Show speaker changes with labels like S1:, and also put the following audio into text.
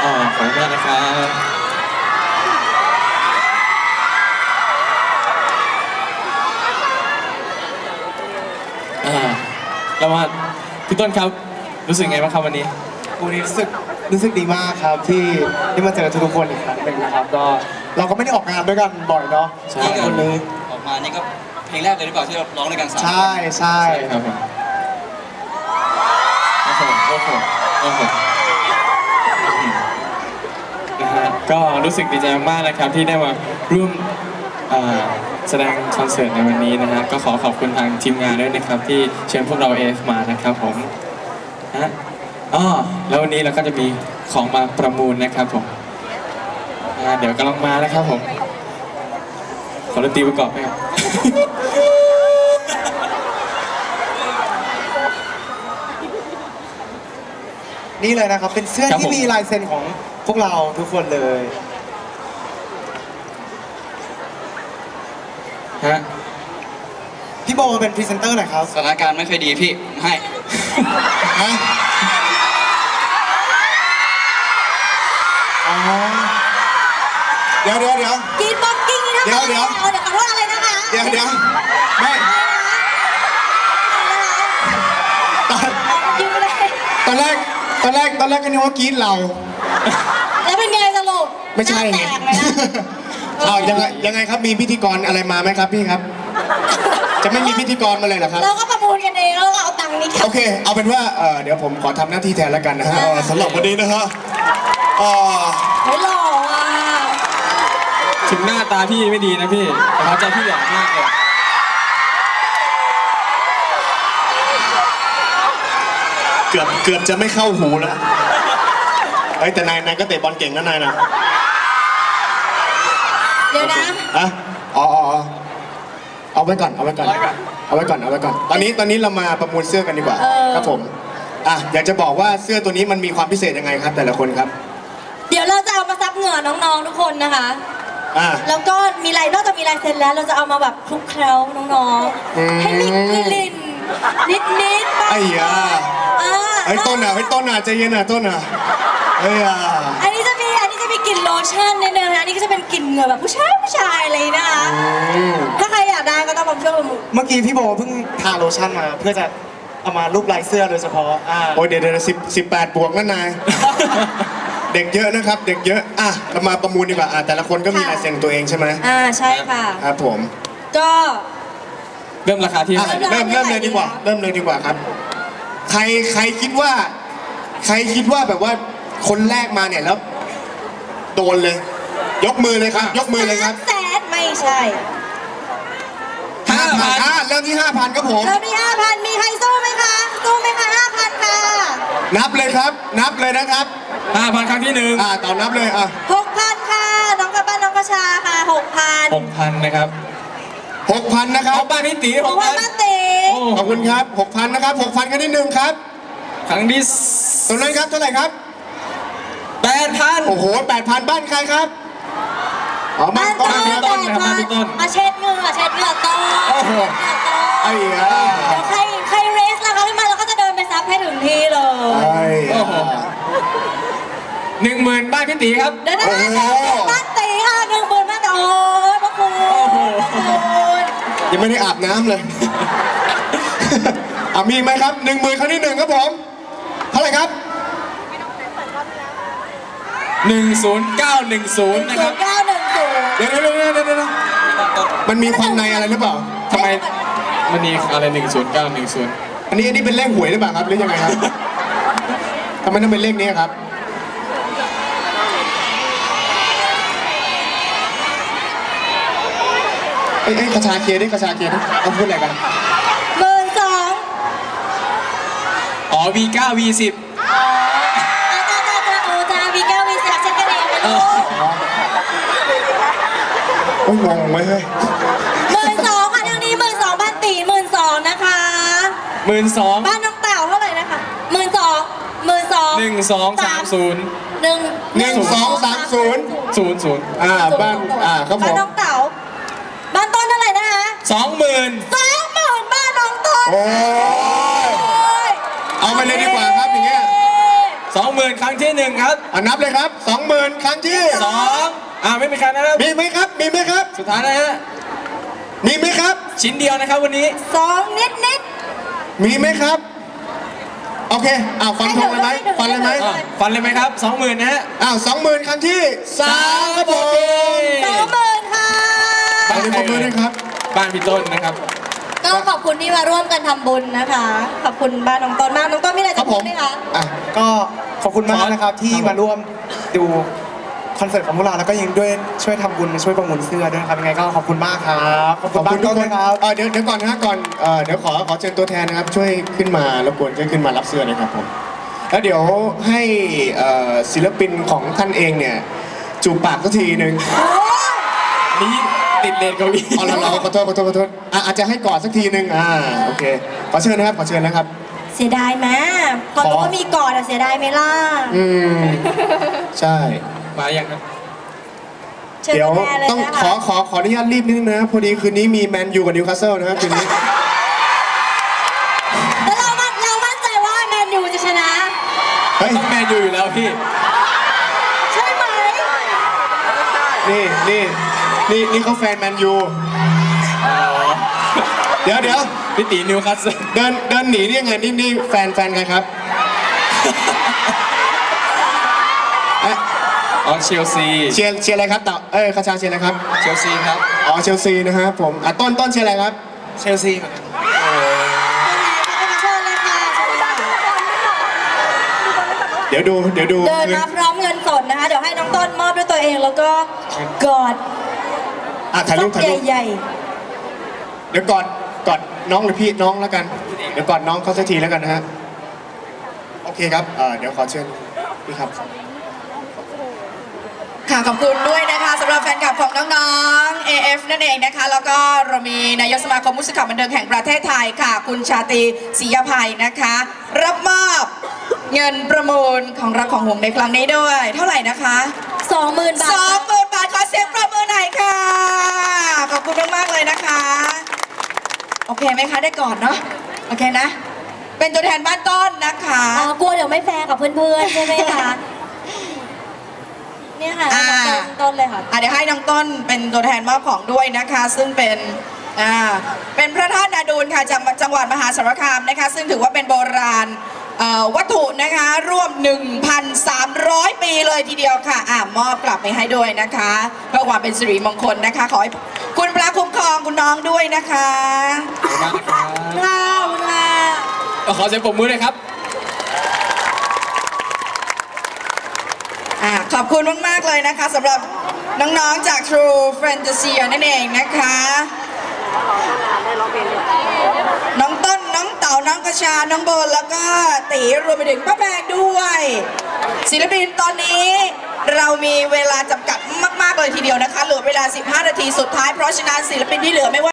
S1: อ๋อขอบคุณมากนะครับเรามาพี่ต้นครับรู้สึกไงบ้างครับวันนี้
S2: วันนี้รู้สึกดีมากครับที่มาเจอทุกคนอีกครั้งหนึ่งนะครับก็เราก็ไม่ได้ออกงานด้วยกันบ่อยเนาะ
S1: ใช่
S2: คนนี้
S3: ออกมานี่ก็เพลงแรกเลยหรือเปล่าที่เราร้องด้วยกัน3
S2: ใช่
S1: ครับผมโอ้โหนะฮะก็รู้สึกดีใจมากๆนะครับที่ได้มาร่วมแสดงคอนเสิร์ตในวันนี้นะฮะก็ขอขอบคุณทางทีมงานด้วยนะครับที่เชิญพวกเราเอฟมานะครับผมฮะแล้ววันนี้เราก็จะมีของมาประมูลนะครับผมเดี๋ยวกำลังมานะครับผมขอดนตรีประกอบไหมครับ
S2: นี่เลยนะครับเป็นเสื้อที่มีลายเซ็นของพวกเราทุกคนเลย
S1: ฮะ
S2: พี่โบเป็นพรีเซนเตอร์หน่อยครับ
S3: สถานการณ์ไม่ค่อยดีพี่ให้
S2: ฮะเดี๋ยว
S4: กินบ็อกกิ้งนะ
S2: เดี๋ยว
S4: ขอโทษอะไรนะคะ
S2: เดี๋ยวไม่ตอนแรกก็นึกว่ากรี๊ดเรา
S4: แล้วเป็นไงสรุป
S2: ไม่ใช่ไงยังไงครับมีพิธีกรอะไรมาไหมครับพี่ครับจะไม่มีพิธีกรมาเลยเหรอครับ
S4: เราก็ประมูลกันเองแล้วก็เอาตังค์นี้
S2: โอเคเอาเป็นว่าเดี๋ยวผมขอทำหน้าที่แทนแล้วกันนะฮะสำหรับวันนี้นะฮะ
S4: ไม่หล่ออ่ะ
S1: ถึงหน้าตาพี่ไม่ดีนะพี่แต่เขาใจพี่หล่อมากเลย
S2: เกือบจะไม่เข้าหูแล้วแต่นายก็เตะบอลเก่งนะนายนะ
S4: เดี๋ยวนะ
S2: เอาไว้ก่อนตอนนี้เรามาประมูลเสื้อกันดีกว่าครับผมอยากจะบอกว่าเสื้อตัวนี้มันมีความพิเศษยังไงครับแต่ละคนครับ
S4: เดี๋ยวเราจะเอามาซับเหงื่อน้องๆทุกคนนะคะแล้วก็นอกจากมีลายเซ็นแล้วเราจะเอามาแบบคลุกเคล้าน้องๆให้มีกลิ่นนิด
S2: ไอ้ยาต้นใจเย็นต้น
S4: อันนี้จะมีกลิ่นโลชั่นในเนื้อนะอันนี้ก็จะเป็นกลิ่นเหงื่อแบบผู้ชายอะไรนะคะถ้าใครอยากได้ก็ต้องมาช่วยประมูล
S2: เมื่อกี้พี่โบเพิ่งทาโลชั่นมาเพื่อจะเอามารูปลายเสื้อโดยเฉพาะโอ้ยเดี๋ยว18 บวกนั่นนายเด็กเยอะนะครับเด็กเยอะเรามาประมูลดีกว่าแต่ละคนก็มีลายเซ็นตัวเองใช่ไหม
S4: ใช่ค่ะ
S2: ครับผม
S4: ก็
S1: เริ่มราคาที่
S2: เริ่มเลยดีกว่าครับใครคิดว่าแบบว่าคนแรกมาเนี่ยแล้วโดนเลยยกมือเลยครับ
S4: 300,000ไม่ใช่
S2: 5,000เริ่มที่ 5,000ครับผม
S4: เริ่มที่ 5,000มีใครสู้ไหมคะ5,000ค่ะ
S2: นับเลยครับนับเลยนะครับ
S1: 5,000 ครั้งที่1
S2: ต่อนับเลย
S4: 6,000ค่ะน้องกระบ้านน้องกระชาค่ะ
S1: 6,000 นะครับ
S2: 6,000นะครับ
S1: บ้านพี่ตี
S4: 6,000บ้านตี
S2: ขอบคุณครับ 6,000นะครับ 6,000 ครั้งที่1ครับ
S1: ครั้งที่
S2: ตรงนั้นครับเท่าไหร่ครับ
S1: 8,000
S2: โอ้โห 8,000 บ้านใครครับ
S4: บ้านต้นเช็ดเหงื่อต้น
S2: โอ้โหไอ้ยา
S4: เดี๋ยวใครเรสนะคะขึ้นมาเราก็จะเดินไปซับให้ถึงที่เลย
S2: โอ้โห
S1: 10,000 บ้านพี่ตีครับ
S4: เดี๋ยวนะบ้านตีค่ะ10,000บ้านโอ้ยพระคุณ
S2: ยังไม่ได้อาบน้ำเลยมีไหมครับ 10,000 ครั้งที่1ครับผมเท่าไหร่ครับ
S1: 10910นะครับ
S2: เดี๋ยวมันมีความในอะไรหรือเปล่า
S1: ทำไมมันมีอะไร10910
S2: อันนี้เป็นเลขหวยหรือเปล่าครับหรือยังไงครับทำไมต้องเป็นเลขนี้ครับกระชาเคลียร์ดิเขาพูดอะไรกัน
S4: 12,000
S1: V9 V10
S2: โอ้ยงงไหมเฮ้ย
S4: 12,000ค่ะทางนี้12,000บ้านตี12,000นะคะ
S1: 12,000
S4: บ้านน้องเต่าเท่าไหร่นะคะ12,000
S1: 1230
S2: 1230บ้านครับผม
S4: บ้านน้องเต่าบ้านต้นเท่าไหร่นะคะ
S1: 20,000
S4: บ้านน้องต้น
S2: โอ้ยเอาไปเลยดีกว่าครับอย่างเงี้ย
S1: 20,000 ครั้งที่ 1 ครับ
S2: นับเลยครับ 20,000 ครั้งที่
S1: 2ไม่มีใครนะครับ
S2: มีไหมครับ มีไหมครับ
S1: สุดท้ายนะฮะ
S2: มีไหมครับ
S1: ชิ้นเดียวนะครับวันนี้
S4: 2 นิด
S2: มีไหมครับ โอเคฟันธงเลยไหมฟันเลยไหม
S1: ฟันเลยไหมครับ 20,000 นะฮะ
S2: 20,000 ครั้งที่ 3 ครับผม
S4: 20,000 ค่ะ
S2: ขอบคุณด้วยครับ
S1: บ้านพี่ต้นนะครับ
S4: ก็ขอบคุณที่มาร่วมกันทำบุญนะคะ ขอบคุณบ้านน้องต้นมากน้องต้นมีอะไรจะพูดไหมคะ
S5: ก็ขอบคุณมากนะครับที่มาร่วมดูคอนเสิร์ตของพวกเราแล้วก็ยังด้วยช่วยทำบุญช่วยประมูลเสื้อด้วยนะครับยังไงก็ขอบคุณมากครับขอบคุณบ้านต้นนะครับ
S2: เดี๋ยวก่อนนะก่อนเดี๋ยวขอเชิญตัวแทนนะครับช่วยขึ้นมารบกวนช่วยขึ้นมารับเสื้อนะครับผมแล้วเดี๋ยวให้ศิลปินของท่านเองเนี่ยจูบปากสักทีหนึ่ง
S1: นี่ติดเลนเกาหลี
S2: เราขอโทษอาจจะให้กอดสักทีหนึ่งโอเคขอเชิญนะครับ
S4: เสียดายไหมพอรู้ว่ามีกอดเสียดายไหมล่ะ
S2: ใช่
S1: มาอย่างนั้น
S4: เชิญ
S2: เดี๋ยว
S4: แม่เลย
S2: ต้อง
S4: นะคะ
S2: ขออนุญาตรีบนิดนึงนะพอดีคืนนี้มีแมนยูกับนิวคาสเซิลนะครับคืนนี้
S4: แล้วเรามั่นใจว่าแมนยูจะชนะ
S2: เฮ้ย
S1: ต้องแมนยูอยู่แล้วพี่
S4: ใช่ไหม
S2: นี่เขาแฟนแมนยูเดี๋ยว
S1: พี่ตีนิวคัสเซิล
S2: เดินหนีนี่ยังไงนี่แฟนใครครับ
S1: อ๋อเชลซี
S2: เชียร์อะไรครับคาชาเชียร์อะไรครับ
S1: เชลซีครับ
S2: เชลซีนะครับผมต้นเชียร์อะไรครับ
S5: เชลซี
S4: เชิญเลยค่ะเชิญเลยค่ะ
S2: เดี๋ยวดู
S4: เดินมาพร้อมเงินสดนะคะ เดี๋ยวให้น้องต้นมอบด้วยตัวเองแล้วก็กอด
S2: ถ่ายรูป
S4: ใหญ่
S2: เดี๋ยวกอดน้องหรือพี่น้องแล้วกันเดี๋ยวกอดน้องเขาสักทีแล้วกันนะฮะโอเคครับเดี๋ยวขอเชิญพี่ครับ
S6: ค่ะขอบคุณด้วยนะคะสำหรับแฟนคลับของน้องๆ AF นั่นเองนะคะแล้วก็เรามีนายกสมาคมผู้สื่อข่าวบันเทิงแห่งประเทศไทยค่ะคุณชาตรีศรียภัยนะคะรับมอบเงินประมูลของรักของห่วงในครั้งนี้ด้วยเท่าไหร่นะคะ
S4: 20,000 บาท
S6: 20,000 บาทขอเสียงประมือหน่อยค่ะขอบคุณมากๆเลยนะคะโอเคไหมคะได้ก่อนเนาะโอเคนะเป็นตัวแทนบ้านต้นนะคะ
S4: กลัวเดี๋ยวไม่แฟร์กับเพื่อนๆใช่ไหมคะเนี่ยค่ะต้นเลยค่ะ
S6: เดี๋ยวให้น้องต้นเป็นตัวแทนมอบของด้วยนะคะซึ่งเป็นพระธาตุนาดูลค่ะจากจังหวัดมหาสารคามนะคะซึ่งถือว่าเป็นโบราณวัตถุนะคะร่วม 1,300 ปีเลยทีเดียวค่ะมอบกลับไปให้ด้วยนะคะเพื่อความเป็นสิริมงคลนะคะขอให้คุณพระคุ้มครองคุณน้องด้วยนะคะ
S1: ขอบคุณมากนะครับขอเสียงปรบมือเลยครับ
S6: ขอบคุณมากๆเลยนะคะสำหรับน้องๆจาก True Fantasy นั่นเองนะคะน้องต้นน้องเต๋าน้องกระชาน้องโบนแล้วก็ตีรวมไปถึงป้าแพงด้วยศิลปินตอนนี้เรามีเวลาจำกัดมากๆเลยทีเดียวนะคะเหลือเวลา15 นาทีสุดท้ายเพราะฉะนั้นศิลปินที่เหลือไม่ว่า